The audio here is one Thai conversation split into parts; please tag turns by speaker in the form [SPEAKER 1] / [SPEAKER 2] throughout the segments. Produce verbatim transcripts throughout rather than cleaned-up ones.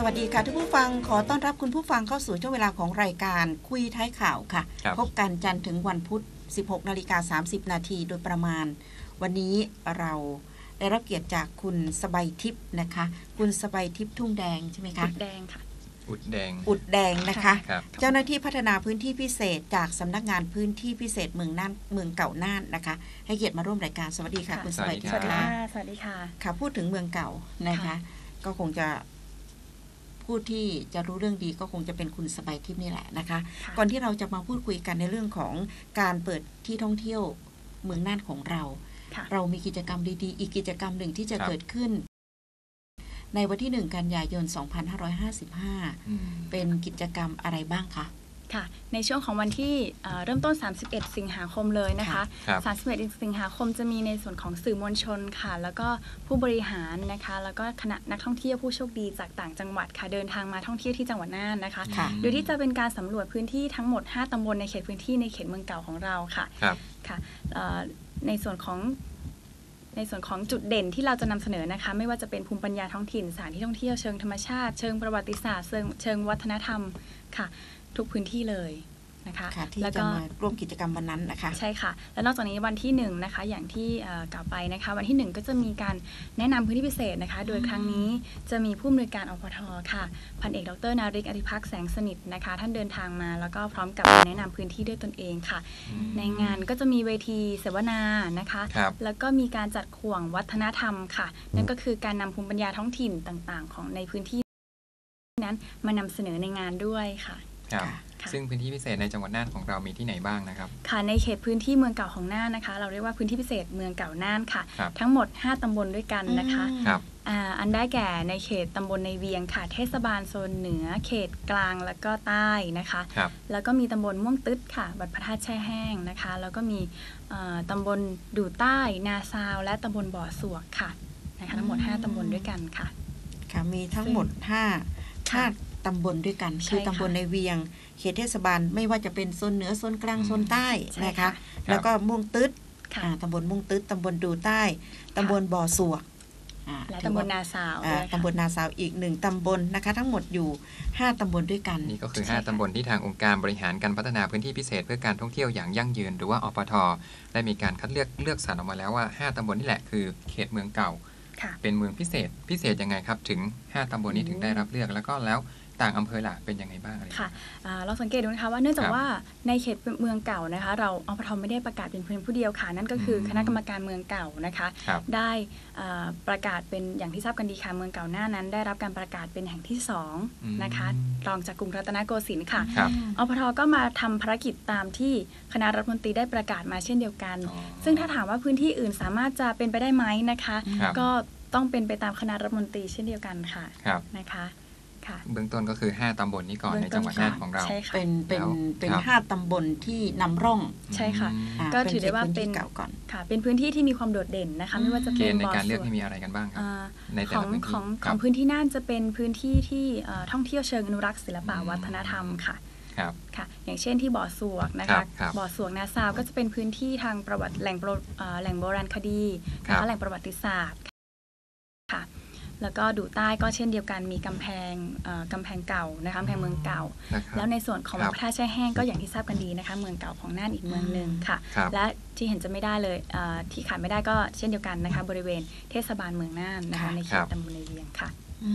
[SPEAKER 1] วัสดีค่ะทุกผู้ฟังขอต้อนรับคุณผู้ฟังเข้าสู่ช่วงเวลาของรายการคุยท้ายข่าวค่ะพบกันจันทร์ถึงวันพุธ สิบหกนาฬิกาสามสิบนาทีโดยประมาณวันนี้เราได้รับเกียรติจากคุณสบายทิพย์นะคะคุณสบายทิพย์ทุ่งแดงใช่ไหมคะ
[SPEAKER 2] อุดแดงค่ะ
[SPEAKER 3] อุดแดง
[SPEAKER 1] อุดแดงนะคะเจ้าหน้าที่พัฒนาพื้นที่พิเศษจากสำนักงานพื้นที่พิเศษเมืองน่านเมืองเก่าน่านนะคะให้เกียรติมาร่วมรายการสวัสดีค่ะคุณสบายทิพย์ค่ะ
[SPEAKER 2] สวัสดีค่ะ
[SPEAKER 1] ค่ะพูดถึงเมืองเก่านะคะก็คงจะผู้ที่จะรู้เรื่องดีก็คงจะเป็นคุณสบายทิพย์นี่แหละนะคะก่อนที่เราจะมาพูดคุยกันในเรื่องของการเปิดที่ท่องเที่ยวเมืองน่านของเราเรามีกิจกรรมดีๆอีกกิจกรรมหนึ่งที่จะเกิดขึ้นในวันที่หนึ่งกันยายนสองพันห้าร้อยห้าสิบห้าเป็นกิจกรรมอะไรบ้างคะ
[SPEAKER 2] ค่ะในช่วงของวันที่เริ่มต้นสามสิบเอ็ดสิงหาคมเลยนะคะสามสิบเอ็ดสิงหาคมจะมีในส่วนของสื่อมวลชนค่ะแล้วก็ผู้บริหารนะคะแล้วก็คณะนักท่องเที่ยวผู้โชคดีจากต่างจังหวัดค่ะเดินทางมาท่องเที่ยวที่จังหวัดน่านนะคะโดยที่จะเป็นการสำรวจพื้นที่ทั้งหมดห้าตำบลในเขตพื้นที่ในเขตเมืองเก่าของเราค่ะค่ะในส่วนของในส่วนของจุดเด่นที่เราจะนำเสนอนะคะไม่ว่าจะเป็นภูมิปัญญาท้องถิ่นสถานที่ท่องเที่ยวเชิงธรรมชาติเชิงประวัติศาสตร์เชิงเชิงวัฒนธรรมค่ะทุกพื้นที่เลยนะคะ
[SPEAKER 1] ที่จะมาร่วมกิจกรรมวันนั้นนะคะ
[SPEAKER 2] ใช่ค่ะแล้วนอกจากนี้วันที่หนึ่งนะคะอย่างที่กล่าวไปนะคะวันที่หนึ่งก็จะมีการแนะนำพื้นที่พิเศษนะคะโดยครั้งนี้จะมีผู้อำนวยการอปท.ค่ะพันเอกดร.นาริกอธิภักษ์แสงสนิทนะคะท่านเดินทางมาแล้วก็พร้อมกับแนะนำพื้นที่ด้วยตนเองค่ะในงานก็จะมีเวทีเสวนานะคะแล้วก็มีการจัดข่วงวัฒนธรรมค่ะนั่นก็คือการนำภูมิปัญญาท้องถิ่นต่างๆของในพื้นที่นั้นมานำเสนอในงานด้วยค่ะ
[SPEAKER 3] ซึ่งพื้นที่พิเศษในจังหวัดน่านของเรามีที่ไหนบ้างนะครับ
[SPEAKER 2] ค่ะในเขตพื้นที่เมืองเก่าของน่านนะคะเราเรียกว่าพื้นที่พิเศษเมืองเก่าน่านค่ะทั้งหมดห้าตำบลด้วยกันนะคะอันได้แก่ในเขตตำบลในเวียงค่ะเทศบาลโซนเหนือเขตกลางแล้วก็ใต้นะคะแล้วก็มีตำบลม่วงตึ๊ดค่ะบัดพระธาตุแช่แห้งนะคะแล้วก็มีตำบลดู่ใต้นาซาวและตำบลบ่อสวกค่ะนะคะทั้งหมดห้าตำบลด้วยกันค่ะ
[SPEAKER 1] ค่ะมีทั้งหมดห้าห้าตำบลด้วยกันคือตำบลในเวียงเขตเทศบาลไม่ว่าจะเป็นโซนเหนือโซนกลางโซนใต้นะคะแล้วก็ม่วงตึ๊ดตำบลม่วงตึ๊ดตำบลดูใต้ตำบลบ่อสวก
[SPEAKER 2] และตำบลนาซาว
[SPEAKER 1] ตำบลนาซาวอีกหนึ่งตำบลนะคะทั้งหมดอยู่ห้าตำบลด้วยกัน
[SPEAKER 3] นี่ก็คือห้าตำบลที่ทางองค์การบริหารการพัฒนาพื้นที่พิเศษเพื่อการท่องเที่ยวอย่างยั่งยืนหรือว่าอปท.ได้มีการคัดเลือกเลือกสรรออกมาแล้วว่าห้าตำบลนี่แหละคือเขตเมืองเก่าเป็นเมืองพิเศษพิเศษยังไงครับถึงห้าตำบลนี้ถึงได้รับเลือกแล้วก็แล้วต่างอำเภอหลักเป็นยังไงบ้าง
[SPEAKER 2] ค่ะเราสังเกตดูนะคะว่าเนื่องจากว่าในเขตเมืองเก่านะคะเราอปท.ไม่ได้ประกาศเป็นเพียงผู้เดียวค่ะนั่นก็คือคณะกรรมการเมืองเก่านะคะได้ประกาศเป็นอย่างที่ทราบกันดีค่ะเมืองเก่าหน้านั้นได้รับการประกาศเป็นแห่งที่สองนะคะรองจากกรุงรัตนโกสินทร์ค่ะอปท.ก็มาทำภารกิจตามที่คณะรัฐมนตรีได้ประกาศมาเช่นเดียวกันซึ่งถ้าถามว่าพื้นที่อื่นสามารถจะเป็นไปได้ไหมนะคะก็ต้องเป็นไปตามคณะรัฐมนตรีเช่นเดียวกันค่ะนะคะ
[SPEAKER 3] เบื้องต้นก็คือห้าตำบลนี้ก่อนในจังหวัดน่านของเรา
[SPEAKER 1] เป็นเป็นเป็นห้าตำบลที่นำร่อง
[SPEAKER 2] ใช่ค่ะก็ถือได้ว่าเป็นค่ะเป็นพื้นที่ที่มีความโดดเด่นนะคะไม่ว่าจะเป็น
[SPEAKER 3] ในการเลือกที่มีอะไรกันบ้างครับ
[SPEAKER 2] ในแต่ละพื้นที่ของของพื้นที่น่านจะเป็นพื้นที่ที่ท่องเที่ยวเชิงอนุรักษ์ศิลปวัฒนธรรมค่ะค่ะอย่างเช่นที่บ่อสวกนะคะบ่อสวกนาซาวก็จะเป็นพื้นที่ทางประวัติแหล่งแหล่งโบราณคดีนะคะแหล่งประวัติศาสตร์ค่ะแล้วก็ดูใต้ก็เช่นเดียวกันมีกำแพงกำแพงเก่านะคะกำแพงเมืองเก่าแล้วในส่วนของวัดพระธาตุแช่แห้งก็อย่างที่ทราบกันดีนะคะเมืองเก่าของน่านอีกเมืองหนึ่งค่ะและที่เห็นจะไม่ได้เลยที่ขาดไม่ได้ก็เช่นเดียวกันนะคะบริเวณเทศบาลเมืองน่านนะคะในเขตตำบลในเวียงค่ะ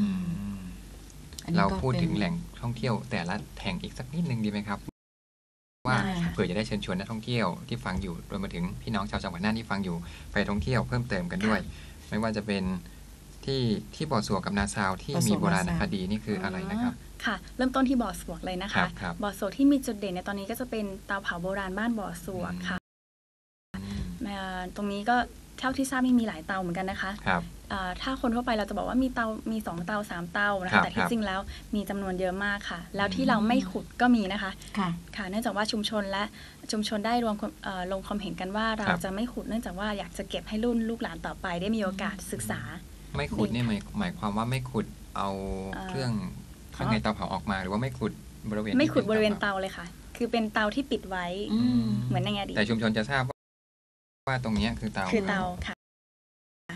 [SPEAKER 3] เราพูดถึงแหล่งท่องเที่ยวแต่ละแห่งอีกสักนิดนึงดีไหมครับว่าเผื่อจะได้เชิญชวนนักท่องเที่ยวที่ฟังอยู่รวมไปถึงพี่น้องชาวจังหวัดน่านที่ฟังอยู่ไปท่องเที่ยวเพิ่มเติมกันด้วยไม่ว่าจะเป็นที่ที่บ่อสวกกับนาซาวที่มีโบราณคดีนี่คืออะไรนะครับ
[SPEAKER 2] ค่ะเริ่มต้นที่บ่อสวกเลยนะคะบ่อสวกที่มีจุดเด่นในตอนนี้ก็จะเป็นเตาเผาโบราณบ้านบ่อสวกค่ะตรงนี้ก็เท่าที่ทราบมีหลายเตาเหมือนกันนะคะถ้าคนทั่วไปเราจะบอกว่ามีเตามีสองเตาสามเตานะคะแต่ที่จริงแล้วมีจำนวนเยอะมากค่ะแล้วที่เราไม่ขุดก็มีนะคะค่ะเนื่องจากว่าชุมชนและชุมชนได้รวมลงความเห็นกันว่าเราจะไม่ขุดเนื่องจากว่าอยากจะเก็บให้รุ่นลูกหลานต่อไปได้มีโอกาสศึกษา
[SPEAKER 3] ไม่ขุดนี่หมายหมายความว่าไม่ขุดเอาเครื่องข้างในเตาเผาออกมาหรือว่าไม่ขุดบริเวณ
[SPEAKER 2] ไม่ขุดบริเวณเตาเลยค่ะคือเป็นเตาที่ปิดไว้เหมือนในอดีต
[SPEAKER 3] แต่ชุมชนจะทราบว่าตรงนี้คือเตา
[SPEAKER 2] คือเตาค่ะ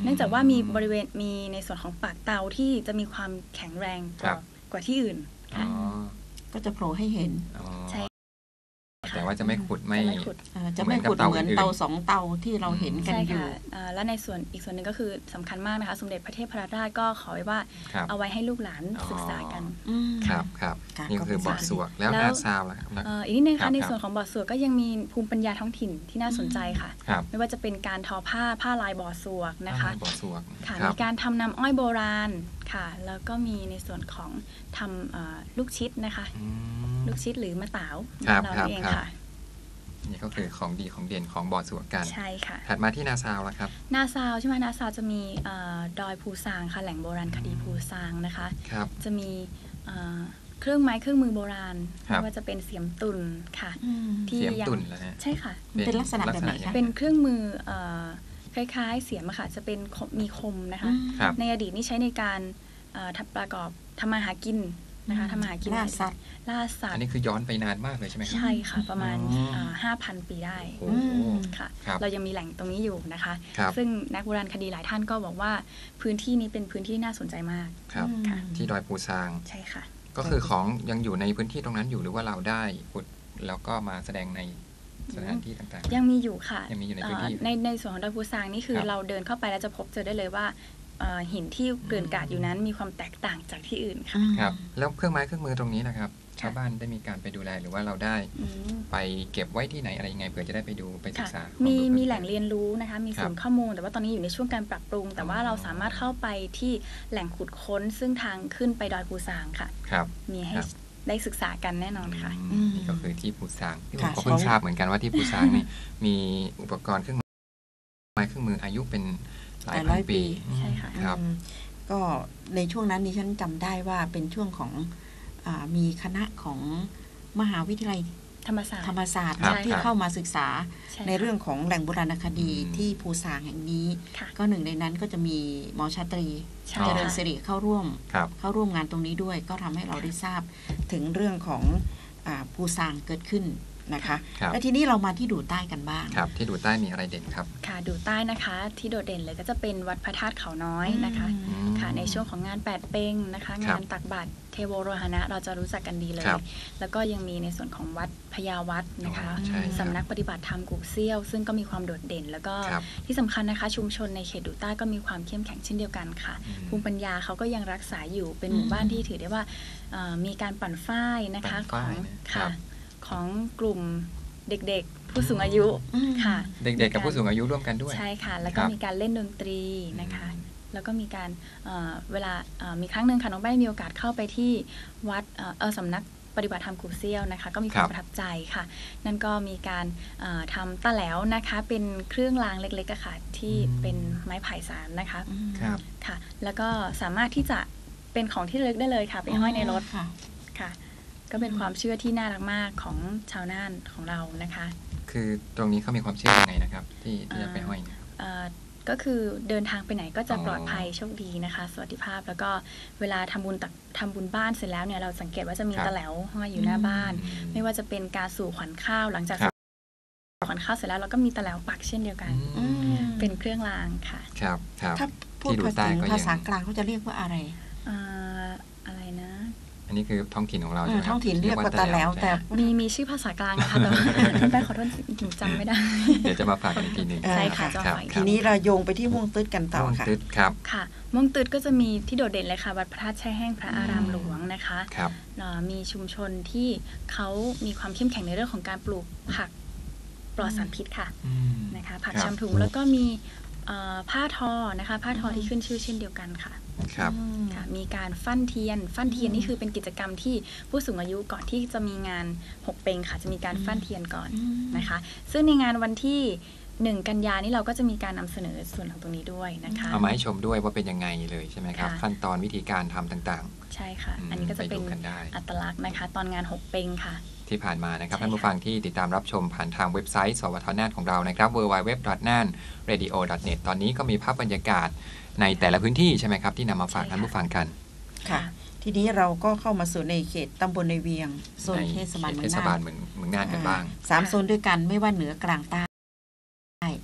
[SPEAKER 2] เนื่องจากว่ามีบริเวณมีในส่วนของปากเตาที่จะมีความแข็งแรงกว่ากว่าที่อื่นค่ะ
[SPEAKER 1] ก็จะโผล่ให้เห็น
[SPEAKER 2] ใช่
[SPEAKER 3] แต่ว่าจะไม่ขุดไม่
[SPEAKER 1] จะไม่ขุดเหมือนเตาสองเตาที่เราเห็นกันอยู่
[SPEAKER 2] และในส่วนอีกส่วนหนึ่งก็คือสำคัญมากนะคะสมเด็จพระเทพรัตนราชก็ขอไว้ว่าเอาไว้ให้ลูกหลานศึกษากัน
[SPEAKER 3] ครับครับนี่คือบ่อสวกแล้วนาซาวล่ะครับ
[SPEAKER 2] อีกนิดนึงค่ะในส่วนของบ่อสวกก็ยังมีภูมิปัญญาท้องถิ่นที่น่าสนใจค่ะไม่ว่าจะเป็นการทอผ้าผ้าลายบ่อสวกนะคะค่ะมีการทำน้ำอ้อยโบราณค่ะแล้วก็มีในส่วนของทำลูกชิดนะคะลูกชิดหรือมะต๋าวเราเองค่ะ
[SPEAKER 3] นี่ก็คือของดีของเด่นของบ่อสวกกัน
[SPEAKER 2] ใช่ค่ะ
[SPEAKER 3] ถัดมาที่นาซาวแล้วครับ
[SPEAKER 2] นาซาวใช่ไหมนาซาวจะมีดอยภูซางค่ะแหล่งโบราณคดีภูซางนะคะจะมีเครื่องไม้เครื่องมือโบราณไม่ว่าจะเป็นเสียมตุ่นค่ะ
[SPEAKER 3] ที่เสียมตุ่นเหรอฮะ
[SPEAKER 2] ใช่ค่ะ
[SPEAKER 1] เป็นลักษณะแบบไหนคะ
[SPEAKER 2] เป็นเครื่องมือคล้ายๆเสียมค่ะจะเป็นมีคมนะคะในอดีตนี่ใช้ในการทำประกอบทำมาหากินนะคะทำมาหากิน
[SPEAKER 1] ล่าสัตว์
[SPEAKER 2] ล่าสัตว์
[SPEAKER 3] อันนี้คือย้อนไปนานมากเลยใช่ไหมครับ
[SPEAKER 2] ใช่ค่ะประมาณ ห้าพัน ปีได้ค่ะเรายังมีแหล่งตรงนี้อยู่นะคะซึ่งนักโบราณคดีหลายท่านก็บอกว่าพื้นที่นี้เป็นพื้นที่น่าสนใจมาก
[SPEAKER 3] ครับที่ดอยภูซาง
[SPEAKER 2] ใช่ค่ะ
[SPEAKER 3] ก็คือของยังอยู่ในพื้นที่ตรงนั้นอยู่หรือว่าเราได้ขุดแล้วก็มาแสดงในสถานที่ต่าง
[SPEAKER 2] ๆยังมีอยู่ค่ะ
[SPEAKER 3] ยังมีอยู่ในพื้นที่
[SPEAKER 2] ในในส่วนของดอยภูซางนี่คือเราเดินเข้าไปแล้วจะพบเจอได้เลยว่าหินที่เกลื่อนกลาดอยู่นั้นมีความแตกต่างจากที่อื่นค่ะ
[SPEAKER 3] ครับแล้วเครื่องไม้เครื่องมือตรงนี้นะครับชาวบ้านได้มีการไปดูแลหรือว่าเราได้ไปเก็บไว้ที่ไหนอะไรยังไงเผื่อจะได้ไปดูไปศึกษา
[SPEAKER 2] มีมีแหล่งเรียนรู้นะคะมีศูนย์ข้อมูลแต่ว่าตอนนี้อยู่ในช่วงการปรับปรุงแต่ว่าเราสามารถเข้าไปที่แหล่งขุดค้นซึ่งทางขึ้นไปดอยภูซางค่ะมีให้ได้ศึกษากันแน่นอนค่ะ
[SPEAKER 3] นี่ก็คือที่ภูซางที่ผมก็เพิ่งทราบเหมือนกันว่าที่ภูซางนี่มีอุปกรณ์เครื่องไม้เครื่องมืออายุเป็นหลายร้อยปี
[SPEAKER 2] ใช่ค่ะ
[SPEAKER 3] ครับ
[SPEAKER 1] ก็ในช่วงนั้นดิฉันจำได้ว่าเป็นช่วงของมีคณะของมหาวิทยาลัย
[SPEAKER 2] ธรรมศาสตร์
[SPEAKER 1] ธรรมศาสตร์ที่เข้ามาศึกษาในเรื่องของแหล่งโบราณคดีที่ภูซางแห่งนี้ก็หนึ่งในนั้นก็จะมีหมอชาตรีเจริญสิริเข้าร่วมเข้าร่วมงานตรงนี้ด้วยก็ทำให้เราได้ทราบถึงเรื่องของภูซางเกิดขึ้นนะคะและทีนี้เรามาที่ดูใต้กันบ้าง
[SPEAKER 3] ครับที่ดูใต้มีอะไรเด่นครับ
[SPEAKER 2] ค่ะดูใต้นะคะที่โดดเด่นเลยก็จะเป็นวัดพระธาตุเขาน้อยนะคะค่ะในช่วงของงานแปดเป้งนะคะงานตักบาตรเทโวโรหณะเราจะรู้จักกันดีเลยแล้วก็ยังมีในส่วนของวัดพญาวัดนะคะสำนักปฏิบัติธรรมกุเซี่ยวซึ่งก็มีความโดดเด่นแล้วก็ที่สำคัญนะคะชุมชนในเขตดูใต้ก็มีความเข้มแข็งเช่นเดียวกันค่ะภูมิปัญญาเขาก็ยังรักษาอยู่เป็นหมู่บ้านที่ถือได้ว่ามีการปั่นฝ้ายนะคะของค่ะของกลุ่มเด็กๆผู้สูงอายุค่ะ
[SPEAKER 3] เด็กๆกับผู้สูงอายุร่วมกันด้วย
[SPEAKER 2] ใช่ค่ะแล้วก็มีการเล่นดนตรีนะคะแล้วก็มีการเวลามีครั้งหนึ่งค่ะน้องแป้งมีโอกาสเข้าไปที่วัดเออสำนักปฏิบัติธรรมกุเซี่ยวนะคะก็มีความประทับใจค่ะนั่นก็มีการทำตะแหลวนะคะเป็นเครื่องรางเล็กๆค่ะที่เป็นไม้ไผ่สารนะคะค่ะแล้วก็สามารถที่จะเป็นของที่ระลึกได้เลยค่ะไปห้อยในรถค่ะก็เป็นความเชื่อที่น่ารักมากของชาวน่านของเรานะคะ
[SPEAKER 3] คือตรงนี้เขามีความเชื่อยังไงนะครับที่ที่จะไปห้อย
[SPEAKER 2] ก็คือเดินทางไปไหนก็จะปลอดภัยโชคดีนะคะสวัสดิภาพแล้วก็เวลาทำบุญตักทำบุญบ้านเสร็จแล้วเนี่ยเราสังเกตว่าจะมีตะแหลวห้อยอยู่หน้าบ้านไม่ว่าจะเป็นการสู่ขวัญข้าวหลังจากขวัญข้าวเสร็จแล้วเราก็อะไรวปักเช่นเดียวกันเป็นเครื่องรางค่ะ
[SPEAKER 3] ครับ
[SPEAKER 1] ถ้าพูดถึงภาษากลางเขาจะเรียกว่าอะไร
[SPEAKER 2] อะไรนะ
[SPEAKER 3] อันนี้คือท้องถิ่นของเราใช่ไหม
[SPEAKER 1] ท้องถิ่นเรียกว่าตะแหลวแต่
[SPEAKER 2] มีมีชื่อภาษากลางนะคะแต่แป้ขอโทษจำไม่ได้
[SPEAKER 3] เดี๋ยวจะมาฝากกันอีกทีหนึ่ง
[SPEAKER 2] ใช่ค่ะ
[SPEAKER 1] ทีนี้เราโยงไปที่ม่วงตืดกันต่อค่ะ
[SPEAKER 3] ม่วงตืดครับ
[SPEAKER 2] ค่ะม่วงตืดก็จะมีที่โดดเด่นเลยค่ะวัดพระธาตุแช่แห้งพระอารามหลวงนะคะมีชุมชนที่เขามีความเข้มแข็งในเรื่องของการปลูกผักปลอดสารพิษค่ะนะคะผักชำถุงแล้วก็มีผ้าทอนะคะผ้าทอที่ขึ้นชื่อเช่นเดียวกันค่ะ
[SPEAKER 3] ครับ
[SPEAKER 2] ค่ะมีการฟั่นเทียนฟั่นเทียนนี่คือเป็นกิจกรรมที่ผู้สูงอายุก่อนที่จะมีงานหกเปงค่ะจะมีการฟั่นเทียนก่อนนะคะซึ่งในงานวันที่หนึ่งกันยานี่เราก็จะมีการนำเสนอส่วนของตรงนี้ด้วยนะคะ
[SPEAKER 3] เอามาให้ชมด้วยว่าเป็นยังไงเลยใช่ไหมครับขั้นตอนวิธีการทำต่าง
[SPEAKER 2] ๆใช่ค่ะอันนี้ก็จะเป็นอัตลักษณ์นะคะตอนงานหกเปงค่ะ
[SPEAKER 3] ที่ผ่านมานะครับท่านผู้ฟังที่ติดตามรับชมผ่านทางเว็บไซต์สวทน่านของเรานะครับ ดับเบิลยู ดับเบิลยู ดับเบิลยู ดอท น่าน เรดิโอ ดอท เน็ต ตอนนี้ก็มีภาพบรรยากาศในแต่ละพื้นที่ใช่ไหมครับที่นำมาฝากท่านผู้ฟังกัน
[SPEAKER 1] ค่ะทีนี้เราก็เข้ามาสู่ในเขตตำบลในเวียงโซนเทศบาลเมืองน่าน
[SPEAKER 3] เมืองน่านกันบ้าง
[SPEAKER 1] สามโซนด้วยกันไม่ว่าเหนือกลางใต้
[SPEAKER 2] ใช่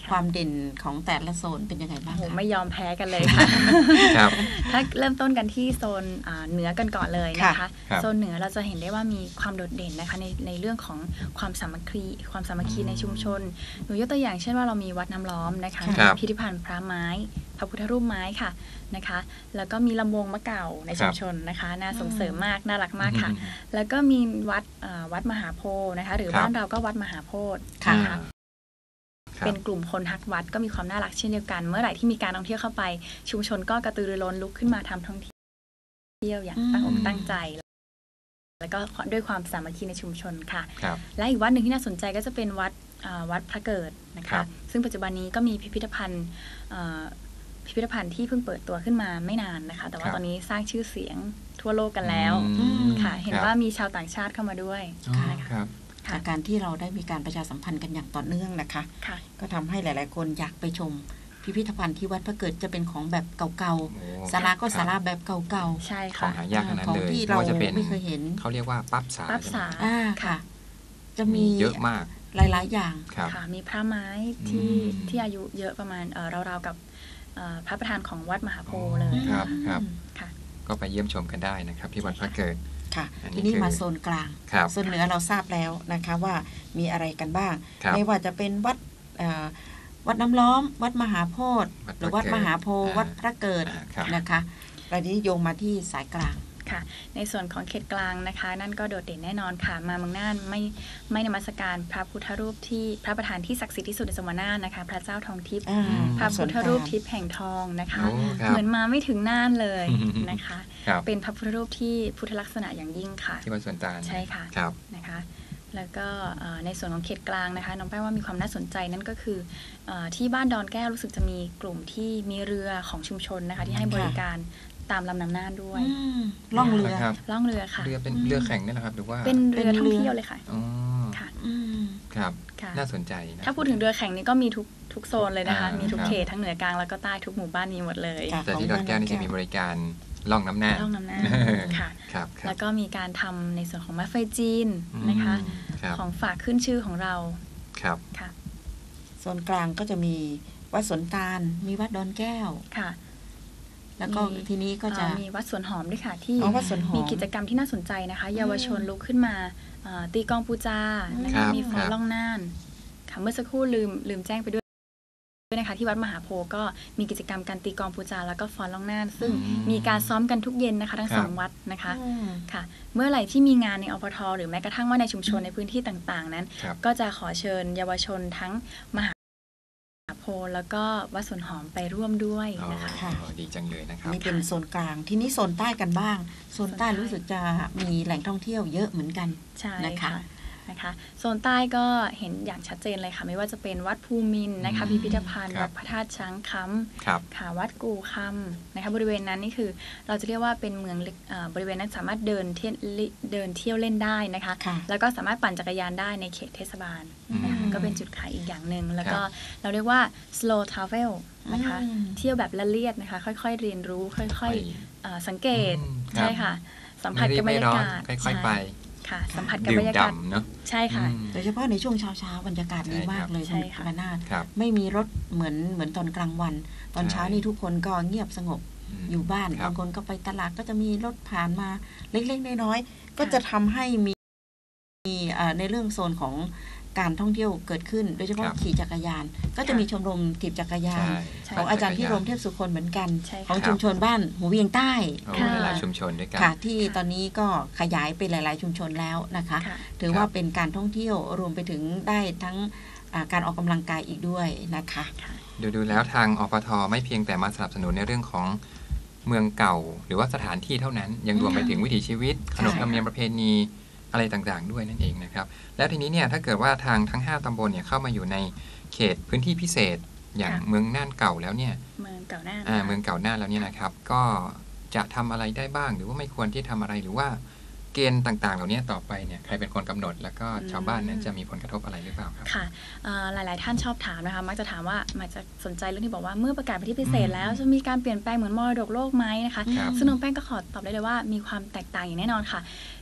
[SPEAKER 1] ความเด่นของแต่ละโซนเป็นยังไงบ้าง
[SPEAKER 2] โอ้
[SPEAKER 1] คะ
[SPEAKER 2] ไม่ยอมแพ้กันเลยค่ะ
[SPEAKER 3] ครับ
[SPEAKER 2] ถ้าเริ่มต้นกันที่โซนเหนือกันก่อนเลยนะคะโซนเหนือเราจะเห็นได้ว่ามีความโดดเด่นนะคะในในเรื่องของความสามัคคีความสามัคคีในชุมชนหนูยกตัวอย่างเช่นว่าเรามีวัดน้ำล้อมนะคะพิพิธภัณฑ์พระไม้พระพุทธรูปไม้ค่ะนะคะแล้วก็มีลำวงมะเก่าในชุมชนนะคะน่าส่งเสริมมากน่ารักมากค่ะแล้วก็มีวัดวัดมหาโพธิ์นะคะหรือบ้านเราก็วัดมหาโพธิ์นะคะเป็นกลุ่มคนฮักวัดก็มีความน่ารักเช่นเดียวกันเมื่อไหร่ที่มีการท่องเที่ยวเข้าไปชุมชนก็กระตือรือร้นลุกขึ้นมาทำท่องเที่ยวอย่างตั้งอกตั้งใจแล้วก็ด้วยความสามัคคีในชุมชนค่ะและอีกวัดหนึ่งที่น่าสนใจก็จะเป็นวัดวัดพระเกิดนะคะซึ่งปัจจุบันนี้ก็มีพิพิธภัณฑ์พิพิธภัณฑ์ที่เพิ่งเปิดตัวขึ้นมาไม่นานนะคะแต่ว่าตอนนี้สร้างชื่อเสียงทั่วโลกกันแล้วค่ะเห็นว่ามีชาวต่างชาติเข้ามาด้วยนะคะ
[SPEAKER 1] จากการที่เราได้มีการประชาสัมพันธ์กันอย่างต่อเนื่องนะคะก็ทำให้หลายๆคนอยากไปชมพิพิธภัณฑ์ที่วัดพระเกิดจะเป็นของแบบเก่าๆศาลาก็ศาลาแบบเก่า
[SPEAKER 2] ๆใช่ค่ะ
[SPEAKER 3] ของหายากขนาดนั้นเลย
[SPEAKER 1] ที่เราไม่เคยเห็น
[SPEAKER 3] เขาเรียกว่าปั๊บสา
[SPEAKER 2] ปั๊บสา
[SPEAKER 1] ค่ะ จะมี
[SPEAKER 3] เยอะมาก
[SPEAKER 1] หลายๆอย่าง
[SPEAKER 2] ค่ะมีพระไม้ที่ที่อายุเยอะประมาณราวๆกับพระประธานของวัดมหาโพธิ์เลย
[SPEAKER 3] ครับครับก็ไปเยี่ยมชมกันได้นะครับที่วัดพระเกิด
[SPEAKER 1] ค่ะทีนี้มาโซนกลางโซนเหนือเราทราบแล้วนะคะว่ามีอะไรกันบ้างไม่ว่าจะเป็นวัดวัดน้ำล้อมวัดมหาโพธิ์หรือวัดมหาโพธิ์วัดพระเกิดนะคะเรานี้โยงมาที่สายกลาง
[SPEAKER 2] ค่ะในส่วนของเขตกลางนะคะนั่นก็โดดเด่นแน่นอนค่ะมาเมืองน่านไม่ไม่นมัสการพระพุทธรูปที่พระประธานที่ศักดิ์สิทธิ์ที่สุดในจังหวัดน่านนะคะพระเจ้าทองทิพย์พระพุทธรูปทิพย์แห่งทองนะคะเหมือนมาไม่ถึงน่านเลยนะคะเป็นพระพุทธรูปที่พุทธลักษณะอย่างยิ่งค่ะ
[SPEAKER 3] ที่วัดสวนตาล
[SPEAKER 2] ใช่ค่ะนะคะแล้วก็ในส่วนของเขตกลางนะคะน้องแป้งว่ามีความน่าสนใจนั่นก็คือที่บ้านดอนแก้วรู้สึกจะมีกลุ่มที่มีเรือของชุมชนนะคะที่ให้บริการตามลำน้ำน่านด้วย
[SPEAKER 1] ล่องเรือ
[SPEAKER 2] ล่องเรือค่ะ
[SPEAKER 3] เรือเป็นเรือแข่งนี่แหละครับหรือว่า
[SPEAKER 2] เป็นเรือท่องเที่ยวเลยค่ะ
[SPEAKER 3] อ๋อค่ะครับน่าสนใจนะ
[SPEAKER 2] ถ้าพูดถึงเรือแข่งนี่ก็มีทุกทุกโซนเลยนะคะมีทุกเขตทั้งเหนือกลางแล้วก็ใต้ทุกหมู่บ้านมีหมดเลย
[SPEAKER 3] แต่ที่ดอนแก้วนี่จะมีบริการล่องน้ำน่าน
[SPEAKER 2] ล่องน้ำน่านค่ะแล้วก็มีการทำในส่วนของมะเฟยจีนนะคะของฝากขึ้นชื่อของเรา
[SPEAKER 3] ครับ
[SPEAKER 2] ค่ะ
[SPEAKER 1] โซนกลางก็จะมีวัดสวนตาลมีวัดดอนแก้ว
[SPEAKER 2] ค่ะ
[SPEAKER 1] แล้วก็ทีนี้ก็จะ
[SPEAKER 2] มีวัดสวนหอมด้วยค่ะที่มีกิจกรรมที่น่าสนใจนะคะเยาวชนลุกขึ้นมาตีกองปูจานะคะมีฟ้อนล่องน่านค่ะเมื่อสักครู่ลืมลืมแจ้งไปด้วยนะคะที่วัดมหาโพธิ์ก็มีกิจกรรมการตีกองปูจาแล้วก็ฟ้อนล่องน่านซึ่งมีการซ้อมกันทุกเย็นนะคะทั้งสองวัดนะคะค่ะเมื่อไหร่ที่มีงานในอปท.หรือแม้กระทั่งว่าในชุมชนในพื้นที่ต่างๆนั้นก็จะขอเชิญเยาวชนทั้งมหาโพธิ์แล้วก็วัดสวนหอมไปร่วมด้วยนะคะ
[SPEAKER 3] ดีจังเลยนะครับ
[SPEAKER 1] นี่เป็นโซนกลางที่นี้โซนใต้กันบ้างโซนใต้รู้สึกจะมีแหล่งท่องเที่ยวเยอะเหมือนกัน
[SPEAKER 2] ใช่นะคะนะคะโซนใต้ก็เห็นอย่างชัดเจนเลยค่ะไม่ว่าจะเป็นวัดภูมินทร์นะคะพิพิธภัณฑ์วัดพระธาตุช้างคำค่ะวัดกู่คำนะคะบริเวณนั้นนี่คือเราจะเรียกว่าเป็นเมืองบริเวณนั้นสามารถเดินเที่ยวเดินเที่ยวเล่นได้นะคะแล้วก็สามารถปั่นจักรยานได้ในเขตเทศบาลนะคะก็เป็นจุดขายอีกอย่างหนึ่งแล้วก็เราเรียกว่า slow travel นะคะเที่ยวแบบละเลียดนะคะค่อยๆเรียนรู้ค่อยๆสังเกตใช่ค่ะสัมผัสกับบรรยากาศ
[SPEAKER 3] ค่อยๆไป
[SPEAKER 2] ค่ะสัมผัสกับบรรยากาศ
[SPEAKER 3] เนาะ
[SPEAKER 2] ใช่ค่ะ
[SPEAKER 1] โดยเฉพาะในช่วงเช้าๆบรรยากาศดีมากเลยคุณกนาถไม่มีรถเหมือนเหมือนตอนกลางวันตอนเช้านี่ทุกคนก็เงียบสงบอยู่บ้านบางคนก็ไปตลาดก็จะมีรถผ่านมาเล็กๆน้อยๆก็จะทำให้มีมีในเรื่องโซนของการท่องเที่ยวเกิดขึ้นโดยเฉพาะขี่จักรยานก็จะมีชมรมถีบจักรยานของอาจารย์พิรมเทพสุคนเหมือนกันของชุมชนบ้านหูเวียงใต้
[SPEAKER 3] หลายชุมชนด้วยกัน
[SPEAKER 1] ค่ะที่ตอนนี้ก็ขยายไปหลายๆชุมชนแล้วนะคะถือว่าเป็นการท่องเที่ยวรวมไปถึงได้ทั้งการออกกำลังกายอีกด้วยนะคะ
[SPEAKER 3] ดูดูแล้วทางอปท.ไม่เพียงแต่มาสนับสนุนในเรื่องของเมืองเก่าหรือว่าสถานที่เท่านั้นยังรวมไปถึงวิถีชีวิตขนบธรรมเนียมประเพณีอะไรต่างๆด้วยนั่นเองนะครับแล้วทีนี้เนี่ยถ้าเกิดว่าทางทั้งห้าตำบลเนี่ยเข้ามาอยู่ในเขตพื้นที่พิเศษอย่างเมืองน่านเก่าแล้วเนี่ย
[SPEAKER 2] เมืองเก่าน่าน
[SPEAKER 3] อ่าเมืองเก่าน่านแล้วเนี่ยนะครับก็จะทำอะไรได้บ้างหรือว่าไม่ควรที่ทำอะไรหรือว่าเกณฑ์ต่างๆเหล่านี้ต่อไปเนี่ยใครเป็นคนกำหนดแล้วก็ชาวบ้านนั้นจะมีผลกระทบอะไรหรือเปล่าครับ
[SPEAKER 2] ค่ะหลายๆท่านชอบถามนะคะมักจะถามว่ามักจะสนใจเรื่องที่บอกว่าเมื่อประกาศเป็นที่พิเศษแล้วจะมีการเปลี่ยนแปลงเหมือนมรดกโลกไหมนะคะซึ่งน้องแป้งก็ขอตอบได้เลยว่ามีความแตกต่างอย่างแน่นอนค่ะ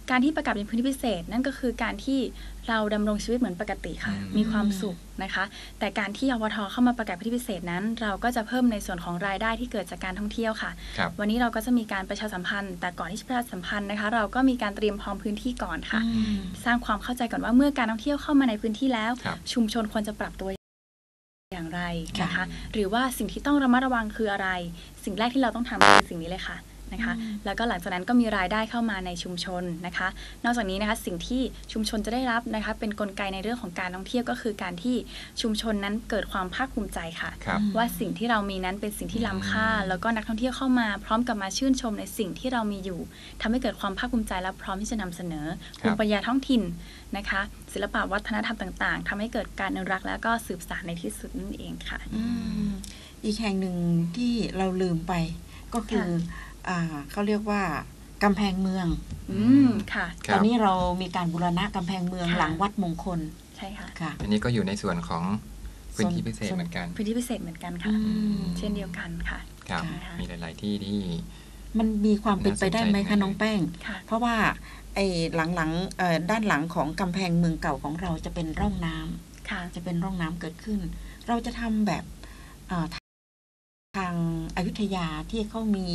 [SPEAKER 2] การที่ประกาศเป็นพื้นที่พิเศษนั่นก็คือการที่เราดำรงชีวิตเหมือนปกติค่ะมีความสุขนะคะแต่การที่อปท.เข้ามาประกาศพื้นที่พิเศษนั้นเราก็จะเพิ่มในส่วนของรายได้ที่เกิดจากการท่องเที่ยวค่ะวันนี้เราก็จะมีการประชาสัมพันธ์แต่ก่อนที่จะประชาสัมพันธ์นะคะเราก็มีการเตรียมพร้อมพื้นที่ก่อนค่ะสร้างความเข้าใจก่อนว่าเมื่อการท่องเที่ยวเข้ามาในพื้นที่แล้วชุมชนควรจะปรับตัวอย่างไรนะคะหรือว่าสิ่งที่ต้องระมัดระวังคืออะไรสิ่งแรกที่เราต้องทำคือสิ่งนี้เลยค่ะนะคะแล้วก็หลังจากนั้นก็มีรายได้เข้ามาในชุมชนนะคะนอกจากนี้นะคะสิ่งที่ชุมชนจะได้รับนะคะเป็นกลไกในเรื่องของการท่องเที่ยวก็คือการที่ชุมชนนั้นเกิดความภาคภูมิใจค่ะว่าสิ่งที่เรามีนั้นเป็นสิ่งที่ล้ำค่าแล้วก็นักท่องเที่ยวเข้ามาพร้อมกับมาชื่นชมในสิ่งที่เรามีอยู่ทำให้เกิดความภาคภูมิใจและพร้อมที่จะนำเสนอภูมิปัญญาท้องถิ่นนะคะศิลปะวัฒนธรรมต่างๆทำให้เกิดการอนุรักษ์และก็สืบสานในที่สุดนั่นเองค่ะ
[SPEAKER 1] ออีกแห่งหนึ่งที่เราลืมไปก็คือเขาเรียกว่ากำแพงเมือง
[SPEAKER 2] อืมค่ะ
[SPEAKER 1] ตอนนี้เรามีการบูรณะกำแพงเมืองหลังวัดมงคล
[SPEAKER 2] ใช่ค่ะ
[SPEAKER 1] ค่ะ
[SPEAKER 3] อันนี้ก็อยู่ในส่วนของพื้นที่พิเศษเหมือนกัน
[SPEAKER 2] พื้นที่พิเศษเหมือนกันค่ะเช่นเดียวกันค่ะ
[SPEAKER 3] ครับมีหลายๆที่ที่
[SPEAKER 1] มันมีความเป็นไปได้ไหมคะน้องแป้งเพราะว่าไอ้หลังๆด้านหลังของกำแพงเมืองเก่าของเราจะเป็นร่องน้ำจะเป็นร่องน้ำเกิดขึ้นเราจะทำแบบทางอยุธยาที่เขามี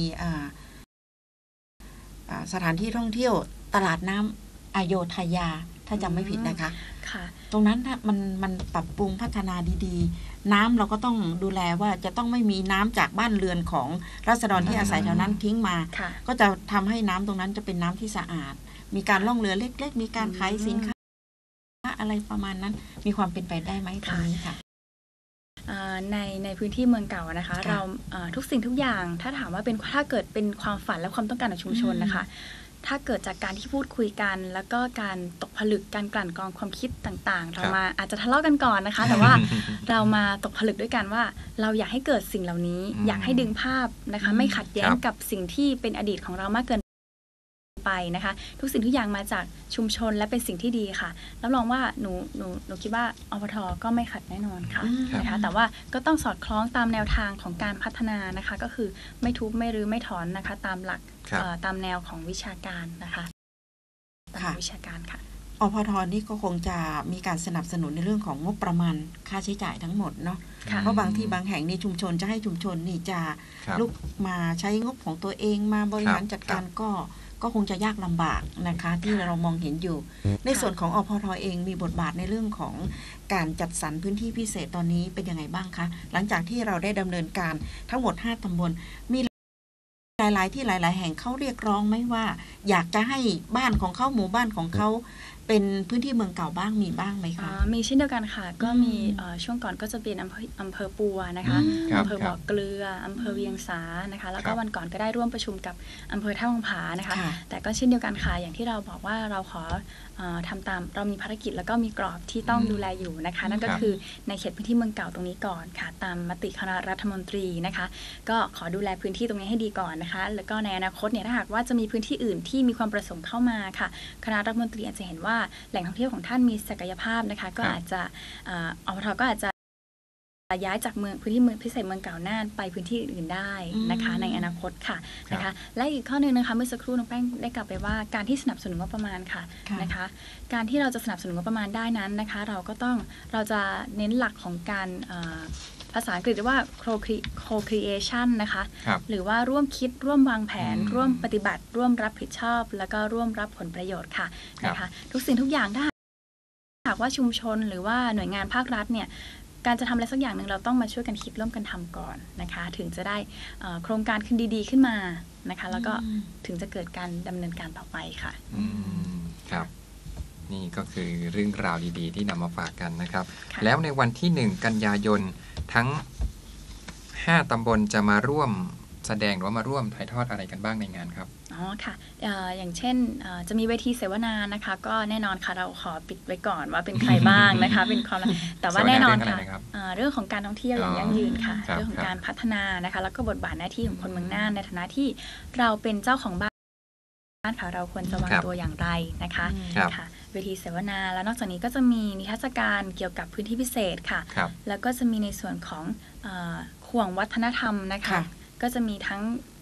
[SPEAKER 1] สถานที่ท่องเที่ยวตลาดน้ำอโยธยาถ้าจำไม่ผิดนะคะตรงนั้นมันมันปรับปรุงพัฒนาดีๆน้ำเราก็ต้องดูแลว่าจะต้องไม่มีน้ำจากบ้านเรือนของราษฎรที่อาศัยแถวนั้นทิ้งมาก็จะทำให้น้ำตรงนั้นจะเป็นน้ำที่สะอาดมีการล่องเรือเล็กๆมีการขายสินค้าอะไรประมาณนั้นมีความเป็นไปได้ไหมตรงนี้ค่ะ
[SPEAKER 2] ในในพื้นที่เมืองเก่านะคะเราทุกสิ่งทุกอย่างถ้าถามว่าเป็นถ้าเกิดเป็นความฝันและความต้องการของชุมชนนะคะถ้าเกิดจากการที่พูดคุยกันแล้วก็การตกผลึกการกลั่นกรองความคิดต่างๆเรามาอาจจะทะเลาะกันก่อนนะคะแต่ว่าเรามาตกผลึกด้วยกันว่าเราอยากให้เกิดสิ่งเหล่านี้อยากให้ดึงภาพนะคะไม่ขัดแย้งกับสิ่งที่เป็นอดีตของเรามากเกินไปนะคะทุกสิ่งทุกอย่างมาจากชุมชนและเป็นสิ่งที่ดีค่ะรับรองว่าหนูหนูหนูคิดว่าอปท.ก็ไม่ขัดแน่นอนค่ะนะคะแต่ว่าก็ต้องสอดคล้องตามแนวทางของการพัฒนานะคะก็คือไม่ทุบไม่รื้อไม่ถอนนะคะตามหลักตามแนวของวิชาการนะคะตามวิชาการค่ะ
[SPEAKER 1] อปท.นี่ก็คงจะมีการสนับสนุนในเรื่องของงบประมาณค่าใช้จ่ายทั้งหมดเนาะเพราะบางที่บางแห่งในชุมชนจะให้ชุมชนนี่จะลุกมาใช้งบของตัวเองมาบริหารจัดการก็ก็คงจะยากลำบากนะคะที่เรามองเห็นอยู่ในส่วนของอปท.เองมีบทบาทในเรื่องของการจัดสรรพื้นที่พิเศษตอนนี้เป็นยังไงบ้างคะหลังจากที่เราได้ดำเนินการทั้งหมดห้าตำบลมีหลายๆที่หลายๆแห่งเขาเรียกร้องไหมว่าอยากจะให้บ้านของเขาหมู่บ้านของเขาเป็นพื้นที่เมืองเก่าบ้างมีบ้างไหมคะ
[SPEAKER 2] มีเช่นเดียวกันค่ะก็มีช่วงก่อนก็จะเป็นอำเภออำเภอปัวนะคะอำเภอบ่อเกลืออำเภอเวียงสานะคะแล้วก็วันก่อนก็ได้ร่วมประชุมกับอำเภอท่าวังผานะคะแต่ก็เช่นเดียวกันค่ะอย่างที่เราบอกว่าเราขอทำตามเรามีภารกิจแล้วก็มีกรอบที่ต้องดูแลอยู่นะคะนั่นก็คือในเขตพื้นที่เมืองเก่าตรงนี้ก่อนค่ะตามมติคณะรัฐมนตรีนะคะก็ขอดูแลพื้นที่ตรงนี้ให้ดีก่อนนะคะแล้วก็ในอนาคตเนี่ยถ้าหากว่าจะมีพื้นที่อื่นที่มีความประสงค์เข้ามาค่ะคณะรัฐมนตรีอาจจะเห็นว่าแหล่งท่องเที่ยวของท่านมีศักยภาพนะคะก็อาจจะอปท.ก็อาจจะย้ายจากเมืองพื้นที่เมืองพิเศษเมืองเก่าน่านไปพื้นที่อื่นได้นะคะในอนาคตค่ะนะคะและอีกข้อหนึ่งนะคะเมื่อสักครู่น้องแป้งได้กล่าวไปว่าการที่สนับสนุนงบประมาณค่ะนะคะการที่เราจะสนับสนุนงบประมาณได้นั้นนะคะเราก็ต้องเราจะเน้นหลักของการภาษาอังกฤษเรียกว่า co-creation นะคะหรือว่าร่วมคิดร่วมวางแผนร่วมปฏิบัติร่วมรับผิดชอบแล้วก็ร่วมรับผลประโยชน์ค่ะนะคะทุกสิ่งทุกอย่างถ้าหากว่าชุมชนหรือว่าหน่วยงานภาครัฐเนี่ยการจะทำอะไรสักอย่างหนึ่งเราต้องมาช่วยกันคิดร่วมกันทำก่อนนะคะถึงจะได้โครงการขึ้นดีๆขึ้นมานะคะแล้วก็ถึงจะเกิดการดำเนินการต่อไปค่ะ
[SPEAKER 3] อืมครับนี่ก็คือเรื่องราวดีๆที่นำมาฝากกันนะครับแล้วในวันที่หนึ่งกันยายนทั้งห้าตำบลจะมาร่วมแสดงหรือว่ามาร่วมถ่ายทอดอะไรกันบ้างในงานครับ
[SPEAKER 2] อ๋อค่ะ อ, อย่างเช่นจะมีเวทีเสวนานะคะก็แน่นอนค่ะเราขอปิดไว้ก่อนว่าเป็นใครบ้างนะคะเป็นความแต่ว่าแน่นอนค่ะเรื่องของการท่องเที่ยวอย่างยั่งยืนค่ะเรื่องของการพัฒนานะคะแล้วก็บทบาทหน้าที่ของคนเมืองน่านในฐานะที่เราเป็นเจ้าของบ้านค่ะเราควรจะวางตัวอย่างไรนะคะค่ะเวทีเสวนาแล้วนอกจากนี้ก็จะมีนิทรรศการเกี่ยวกับพื้นที่พิเศษค่ะแล้วก็จะมีในส่วนของข่วงวัฒนธรรมนะคะก็จะมีทั้ง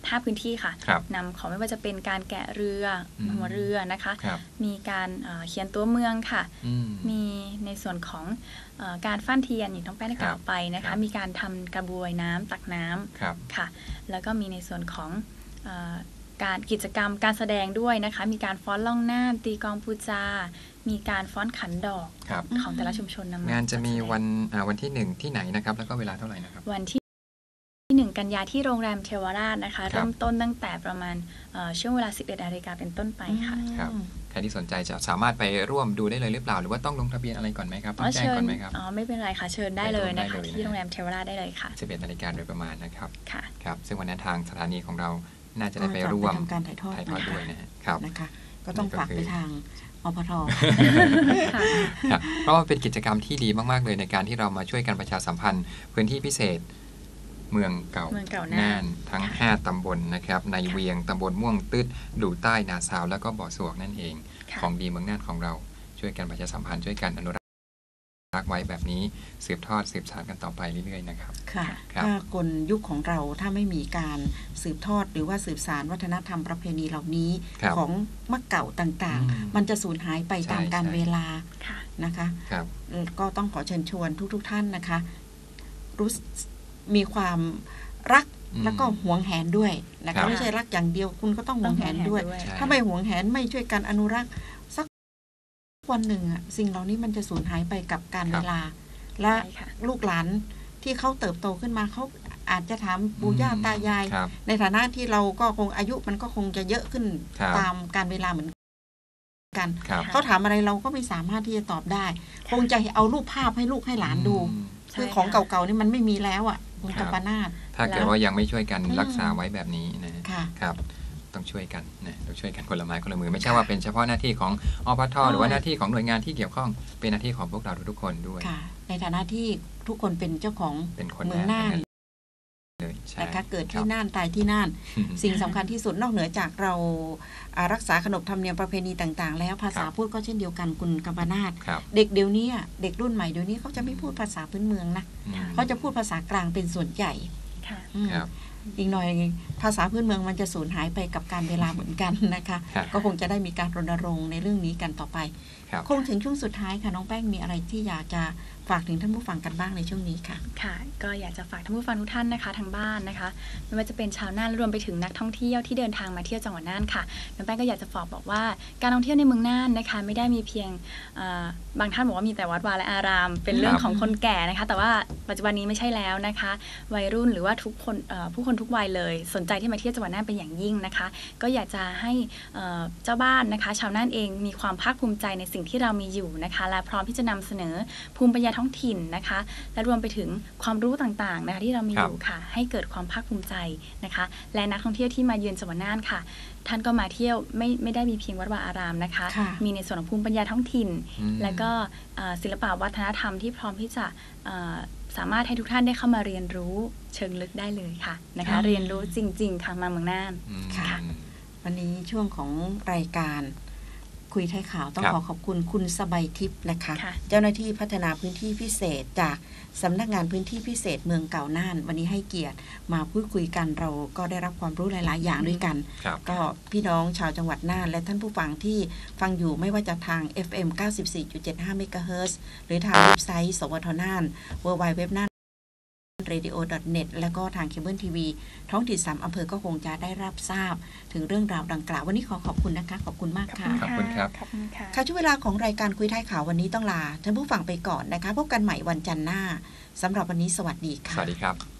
[SPEAKER 2] ห้าพื้นที่ค่ะ
[SPEAKER 3] ครับ
[SPEAKER 2] นำของไม่ว่าจะเป็นการแกะเรืออ
[SPEAKER 3] ม
[SPEAKER 2] หัวเรือนะคะ
[SPEAKER 3] ครับ
[SPEAKER 2] มีการเอ่อเขียนตัวเมืองค่ะ
[SPEAKER 3] อืม
[SPEAKER 2] มีในส่วนของเอ่อการฟั่นเทียนอย่างที่น้องแป้งได้กล่าวไปนะ
[SPEAKER 3] ครั
[SPEAKER 2] คะ
[SPEAKER 3] บ
[SPEAKER 2] มีการทำกระบวยน้ำตักน้ำ
[SPEAKER 3] ครับ
[SPEAKER 2] ค่ะ แล้วก็มีในส่วนของเอ่อการกิจกรรมการแสดงด้วยนะคะ มีการฟ้อนล่องหน้าตีกลองปูจา มีการฟ้อนขันดอก
[SPEAKER 3] ครับ
[SPEAKER 2] ของแต่ละชุมชนนำมาง
[SPEAKER 3] านจะมี
[SPEAKER 2] จัดแสดง
[SPEAKER 3] วันอ่าวันที่หนึ่งที่ไหนนะครับ แล้วก็เวลาเท่าไหร่นะครับ
[SPEAKER 2] วันที่หนึ่งกันยาที่โรงแรมเทวราชนะคะ
[SPEAKER 3] ครับ
[SPEAKER 2] เริ่มต้นตั้งแต่ประมาณเอ่อช่วงเวลา สิบเอ็ดนาฬิกาเป็นต้นไปค่ะ
[SPEAKER 3] ครับ ใครที่สนใจจะสามารถไปร่วมดูได้เลยหรือเปล่า หรือว่าต้องลงทะเบียนอะไรก่อนไหมครับ ต้องแจ้งก่อนไหมครับ
[SPEAKER 2] อ๋อไม่เป็นไรค่ะเชิญได้เลยนะ
[SPEAKER 3] ไปร่วมได้
[SPEAKER 2] คะ
[SPEAKER 3] เลยนะ
[SPEAKER 2] ที่โรงแรมเทวราชได้เลยค่ะ
[SPEAKER 3] สิบเอ็ดนาฬิกาโดยประมาณนะครับ
[SPEAKER 2] ค่ะ
[SPEAKER 3] ครับ ซึ่งวันนั้นทางสถานีของเราน่าจะได้ไป
[SPEAKER 1] ก็จะ
[SPEAKER 3] ร่วม
[SPEAKER 1] ไปทำการถ่ายทอด
[SPEAKER 3] ถ่ายทอด
[SPEAKER 1] นะคะ
[SPEAKER 3] ด้วยนะฮะครับ
[SPEAKER 1] นะคะ ก็ต้องฝากไปทางอปท
[SPEAKER 2] ค่ะ
[SPEAKER 3] ครับเพราะว่าเป็นกิจกรรมที่ดีมากๆเลยในการที่เรามาช่วยกันประชาสัมพันธ์ พื้นที่พิเศษ เมืองเก่า
[SPEAKER 2] เมืองเก่าน่าน
[SPEAKER 3] น่านทั้ง
[SPEAKER 2] ค่ะ
[SPEAKER 3] ห้า ตำบลนะครับ ใน
[SPEAKER 2] ค่ะ
[SPEAKER 3] เวียงตำบลม่วงตึ๊ดดูใต้นาซาว แล้วก็บ่อสวกนั่นเอง
[SPEAKER 2] ค่ะ
[SPEAKER 3] ของดีเมืองน่านของเราช่วยกันประชาสัมพันธ์ช่วยกันอนุรักษ์ไว้แบบนี้สืบทอดสืบสานกันต่อไปเรื่อยๆนะครับ
[SPEAKER 1] ค่ะ
[SPEAKER 3] ครับ
[SPEAKER 1] ถ้ากลยุคของเราถ้าไม่มีการสืบทอดหรือว่าสืบสานวัฒนธรรมประเพณีเหล่านี้
[SPEAKER 3] ครับ
[SPEAKER 1] ของมักเก่าต่าง
[SPEAKER 3] อืม
[SPEAKER 1] ๆ มันจะสูญหายไป
[SPEAKER 3] ใช่
[SPEAKER 1] ตามกาล
[SPEAKER 3] ใช่
[SPEAKER 1] เวลา
[SPEAKER 2] ค่ะ
[SPEAKER 1] นะคะ
[SPEAKER 3] ครับ
[SPEAKER 1] เอ่อก็ต้องขอเชิญชวนทุกๆท่านนะคะ รู้สึกมีความรัก
[SPEAKER 3] อืม
[SPEAKER 1] แล้วก็หวงแหนด้วยนะ
[SPEAKER 3] ครั
[SPEAKER 1] คะ
[SPEAKER 3] บ
[SPEAKER 1] ไม่ใช่รักอย่างเดียวคุณก็ต้องหวงแหนด้วย
[SPEAKER 3] ใช่
[SPEAKER 1] ถ้าไม่หวงแหนไม่ช่วยกันอนุรักษ์สักวันหนึ่งอะสิ่งเหล่านี้มันจะสูญหายไปกับการเวลา และ
[SPEAKER 2] ใช่ค่ะ
[SPEAKER 1] ลูกหลานที่เขาเติบโตขึ้นมาเขาอาจจะถามปู่ย่าตายาย
[SPEAKER 3] ครับ
[SPEAKER 1] ในฐานะที่เราก็คงอายุมันก็คงจะเยอะขึ้น
[SPEAKER 3] ครับ
[SPEAKER 1] ตามการเวลาเหมือนกัน
[SPEAKER 3] ครับ
[SPEAKER 1] เขาถามอะไรเราก็ไม่สามารถที่จะตอบได้ คงจะเอารูปภาพให้ลูกให้หลานดู
[SPEAKER 3] อืม
[SPEAKER 1] คือของ
[SPEAKER 2] ใช่ค่ะ
[SPEAKER 1] เก่าๆนี่มันไม่มีแล้วอ่ะคุณ
[SPEAKER 3] ครั
[SPEAKER 1] กับ ปานาถ
[SPEAKER 3] ถ้าเกิด
[SPEAKER 2] แล้ว
[SPEAKER 3] ว่ายังไม่ช่วยกัน
[SPEAKER 1] อืม
[SPEAKER 3] รักษาไว้แบบนี้นะ
[SPEAKER 1] ค่ะ
[SPEAKER 3] ครับ ต้องช่วยกันนะต้องช่วยกันคนละไม้คนละมือ ไม่ใช่ว่าเป็นเฉพาะหน้าที่ของอปทหรือว่าหน้าที่ของหน่วยงานที่เกี่ยวข้องเป็นหน้าที่ของพวกเราทุกๆคนด้วย
[SPEAKER 1] ค่ะ ในฐานะที่ทุกคนเป็นเจ้าของ
[SPEAKER 3] เป็นคน
[SPEAKER 1] เมืองน่าน
[SPEAKER 3] ทั้เลยใช่
[SPEAKER 1] นะคะเกิด
[SPEAKER 3] ค
[SPEAKER 1] ที่
[SPEAKER 3] รับ
[SPEAKER 1] น่านตายที่น่าน
[SPEAKER 3] อืม
[SPEAKER 1] สิ่งสำคัญที่สุดนอกเหนือจากเราอ่ารักษาขนบธรรมเนียมประเพณีต่างๆ แล้วภาษา
[SPEAKER 3] ครับ
[SPEAKER 1] พูดก็เช่นเดียวกันคุณกัมปนาถ
[SPEAKER 3] ครับ
[SPEAKER 1] เด็กเดี๋ยวนี้อะเด็กรุ่นใหม่เดี๋ยวนี้เขาจะไม่พูดภาษาพื้นเมืองนะ
[SPEAKER 3] อืม
[SPEAKER 1] เขาจะพูดภาษากลางเป็นส่วนใหญ่
[SPEAKER 2] ค่ะ
[SPEAKER 1] อืม
[SPEAKER 3] ครับ
[SPEAKER 1] อีกหน่อยภาษาพื้นเมืองมันจะสูญหายไปกับการเวลาเหมือนกันนะคะ
[SPEAKER 3] ครับ
[SPEAKER 1] ก็คงจะได้มีการรณรงค์ในเรื่องนี้กันต่อไป
[SPEAKER 3] ครับ
[SPEAKER 1] คงถึงช่วงสุดท้ายค่ะน้องแป้งมีอะไรที่อยากจะฝากถึงท่านผู้ฟังกันบ้างในช่วงนี้ค่ะ
[SPEAKER 2] ค่ะ ก็อยากจะฝากท่านผู้ฟังทุกท่านนะคะทางบ้านนะคะ ไม่ว่าจะเป็นชาวน่านรวมไปถึงนักท่องเที่ยวที่เดินทางมาเที่ยวจังหวัดน่านค่ะน้องแป้งก็อยากจะฝากบอกว่าการท่องเที่ยวในเมืองน่านนะคะ ไม่ได้มีเพียงเอ่อบางท่านบอกว่ามีแต่วัดวาและอาราม เป็นเรื่อง
[SPEAKER 3] ครับ
[SPEAKER 2] ของคนแก่นะคะ แต่ว่าปัจจุบันนี้ไม่ใช่แล้วนะคะ วัยรุ่นหรือว่าทุกคนเอ่อผู้คนทุกวัยเลย สนใจที่มาเที่ยวจังหวัดน่านเป็นอย่างยิ่งนะคะ ก็อยากจะให้เอ่อเจ้าบ้านนะคะ ชาวน่านเองมีความภาคภูมิใจในสิ่งที่เรามีอยู่นะคะ และพร้อมที่จะนำเสนอภูมิปัญญาท้องถิ่นนะคะ และรวมไปถึงความรู้ต่างๆนะคะที่เรามี
[SPEAKER 3] ครั
[SPEAKER 2] อบ ยู่ค่ะ ให้เกิดความภาคภูมิใจนะคะ และนักท่องเที่ยวที่มาเยือนจังหวัดน่านค่ะ ท่านก็มาเที่ยวไม่ไม่ได้มีเพียงวัดวาอารามนะคะ
[SPEAKER 1] ค่ะ
[SPEAKER 2] มีในส่วนของภูมิปัญญาท้องถิ่น
[SPEAKER 3] อืม
[SPEAKER 2] และก็เอ่อศิลปะวัฒนธรรมที่พร้อมที่จะเอ่อสามารถให้ทุกท่านได้เข้ามาเรียนรู้เชิงลึกได้เลยค่ะนะ
[SPEAKER 1] ครั
[SPEAKER 2] คะ
[SPEAKER 1] บ
[SPEAKER 2] เรียนรู้จริงๆค่ะมาเมืองน่าน
[SPEAKER 3] อืม
[SPEAKER 1] ค่ะ วันนี้ช่วงของรายการคุยไทยข่าวต้อง
[SPEAKER 3] ครับ
[SPEAKER 1] ขอขอบคุณคุณสบายทิพย์นะคะ
[SPEAKER 2] ค่ะ
[SPEAKER 1] เจ้าหน้าที่พัฒนาพื้นที่พิเศษจากสำนักงานพื้นที่พิเศษเมืองเก่าน่าน วันนี้ให้เกียรติมาพูดคุยกันเราก็ได้รับความรู้หลาย ๆ อย่างด้วยกัน
[SPEAKER 3] ครับ
[SPEAKER 1] ก็พี่น้องชาวจังหวัดน่านและท่านผู้ฟังที่ฟังอยู่ไม่ว่าจะทาง เอฟ เอ็ม เก้าสิบสี่จุดเจ็ดห้า เมกะเฮิรตซ์ หรือทางเว็บไซต์ สวทน่าน ดับเบิลยู ดับเบิลยู ดับเบิลยู ดอท น่าน เรดิโอ ดอท เน็ต แล้วก็ทางเคเบิลทีวีท้องถิ่นสามอำเภอก็คงจะได้รับทราบถึงเรื่องราวดังกล่าว วันนี้ขอขอบคุณนะคะ ขอบคุณมากค่ะ
[SPEAKER 3] ขอบคุณครับ
[SPEAKER 2] ขอบคุณค่ะ
[SPEAKER 1] ค่ะช่วงเวลาของรายการคุยท้ายข่าววันนี้ต้องลาท่านผู้ฟังไปก่อนนะคะ พบกันใหม่วันจันทร์หน้าสำหรับวันนี้สวัสดี
[SPEAKER 3] ส
[SPEAKER 1] ค่ะ
[SPEAKER 3] วัสดีครับ